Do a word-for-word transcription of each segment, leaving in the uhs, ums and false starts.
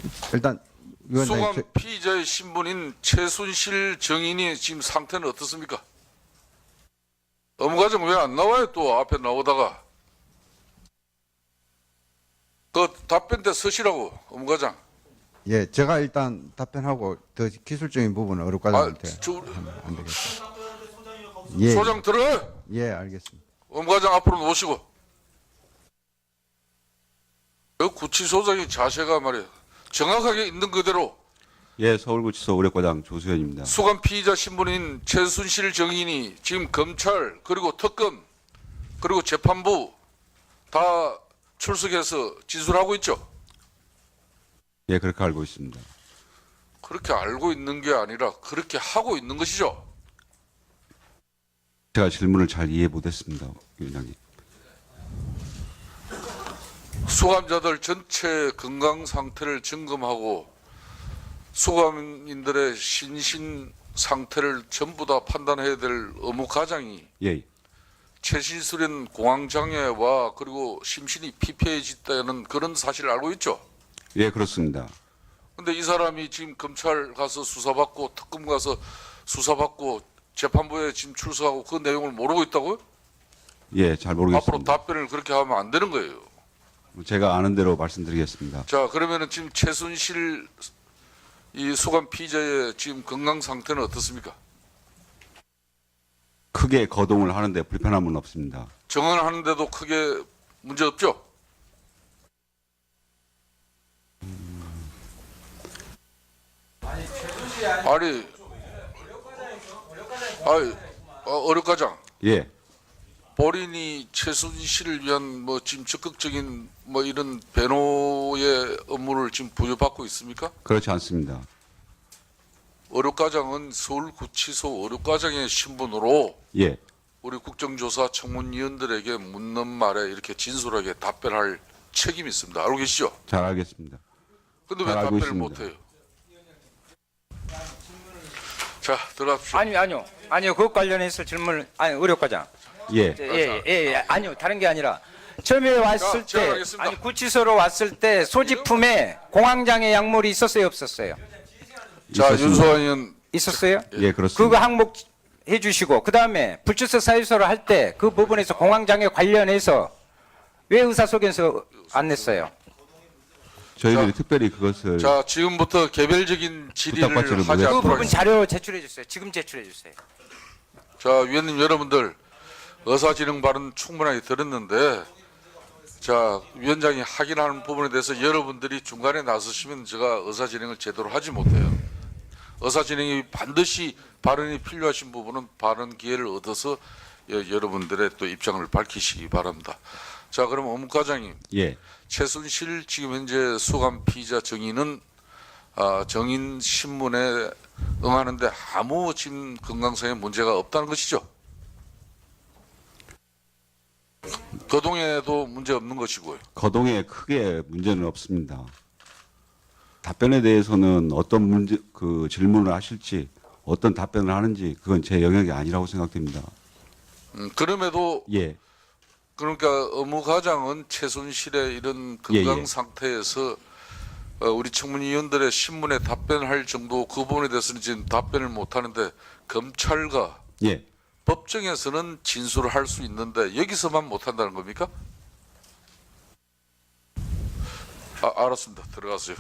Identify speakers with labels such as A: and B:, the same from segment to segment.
A: 일단 위원장님,
B: 수감 피의자의 신분인 최순실 정인이 지금 상태는 어떻습니까? 업무과정 왜 안 나와요? 또 앞에 나오다가 그 답변 때 서시라고 업무과장.
A: 예, 제가 일단 답변하고 더 기술적인 부분은 어렵과장한테
B: 아, 저,
A: 하면 안 되겠습니다. 예,
B: 소장 들어요.
A: 예, 알겠습니다.
B: 업무과장 앞으로 놓으시고. 그 구치소장의 자세가 말이에요. 정확하게 있는 그대로
C: 예, 서울구치소 의뢰과장 조수현입니다.
B: 수감 피의자 신분인 최순실 정인이 지금 검찰 그리고 특검 그리고 재판부 다 출석해서 진술하고 있죠.
C: 예, 그렇게 알고 있습니다.
B: 그렇게 알고 있는 게 아니라 그렇게 하고 있는 것이죠.
C: 제가 질문을 잘 이해 못했습니다, 위원장님.
B: 수감자들 전체 건강 상태를 점검하고 수감인들의 신신 상태를 전부 다 판단해야 될 의무 과장이
C: 예,
B: 최신술인 공황장애와 그리고 심신이 피폐해졌다는 그런 사실을 알고 있죠.
C: 예, 그렇습니다.
B: 근데 이 사람이 지금 검찰 가서 수사받고 특검 가서 수사받고 재판부에 지금 출석하고 그 내용을 모르고 있다고요?
C: 예, 잘
B: 앞으로
C: 모르겠습니다.
B: 답변을 그렇게 하면 안 되는 거예요.
C: 제가 아는 대로 말씀드리겠습니다.
B: 자, 그러면은 지금 최순실 이 수감 피의자의 지금 건강 상태는 어떻습니까?
C: 크게 거동을 하는데 불편함은 없습니다.
B: 정언하는데도 크게 문제 없죠? 아니, 아니, 어, 어렵과장.
C: 예,
B: 본인이 최순실을 위한 뭐 지금 적극적인 뭐 이런 변호의 업무를 지금 부여받고 있습니까?
C: 그렇지 않습니다.
B: 어렵과장은 서울구치소 어렵과장의 신분으로
C: 예,
B: 우리 국정조사 청문위원들에게 묻는 말에 이렇게 진솔하게 답변할 책임이 있습니다. 알고 계시죠?
C: 잘 알겠습니다.
B: 근데 왜
C: 잘 알고
B: 답변을
C: 있습니다.
B: 못해요? 자, 들어갑시다.
D: 아니 아니요 아니요 그것 관련해서 질문을 아니 의료과장
C: 예,
D: 예예 예, 예, 아니요 다른 게 아니라 처음에 왔을
B: 제가
D: 때
B: 하겠습니다.
D: 아니 구치소로 왔을 때 소지품에 공황장애 약물이 있었어요 없었어요
B: 자,
C: 있었습니다.
B: 윤소환 의원.
D: 있었어요
C: 예, 그렇습니다.
D: 그거 항목 해주시고 그 다음에 불출석 사유서를 할 때 그 부분에서 공황장애 관련해서 왜 의사소견서 안 냈어요?
C: 저희들이
B: 자,
C: 특별히 그것을
B: 자, 지금부터 개별적인 질의를
C: 부탁받지를
B: 하지
C: 못했습니다.
D: 그
B: 않도록
D: 부분
B: 하겠습니다.
D: 자료 제출해 주세요. 지금 제출해 주세요.
B: 자, 위원님 여러분들 의사진행 발언 충분하게 들었는데, 자, 위원장이 확인하는 부분에 대해서 여러분들이 중간에 나서시면 제가 의사진행을 제대로 하지 못해요. 의사진행이 반드시 발언이 필요하신 부분은 발언 기회를 얻어서 여, 여러분들의 또 입장을 밝히시기 바랍니다. 자, 그럼 업무과장님,
C: 예,
B: 최순실 지금 현재 수감 피의자 정인은 아, 정인 신문에 응하는데 아무 지금 건강상의 문제가 없다는 것이죠. 거동에도 문제 없는 것이고요.
C: 거동에 크게 문제는 없습니다. 답변에 대해서는 어떤 문제 그 질문을 하실지 어떤 답변을 하는지 그건 제 영역이 아니라고 생각됩니다.
B: 음, 그럼에도
C: 예,
B: 그러니까 업무과장은 최순실의 이런
C: 예,
B: 건강
C: 예.
B: 상태에서 어, 우리 청문위원들의 신문에 답변할 정도 그 부분에 대해서는 지금 답변을 못 하는데 검찰과
C: 예,
B: 법정에서는 진술을 할 수 있는데 여기서만 못 한다는 겁니까? 아, 알았습니다. 들어가세요.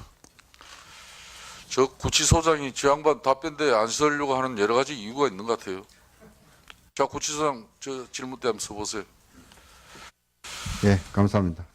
B: 저 구치소장이 저 양반 답변대에 안 서려고 하는 여러 가지 이유가 있는 것 같아요. 자, 구치소장 저 질문 때 한번 써보세요.
A: 예, 감사합니다.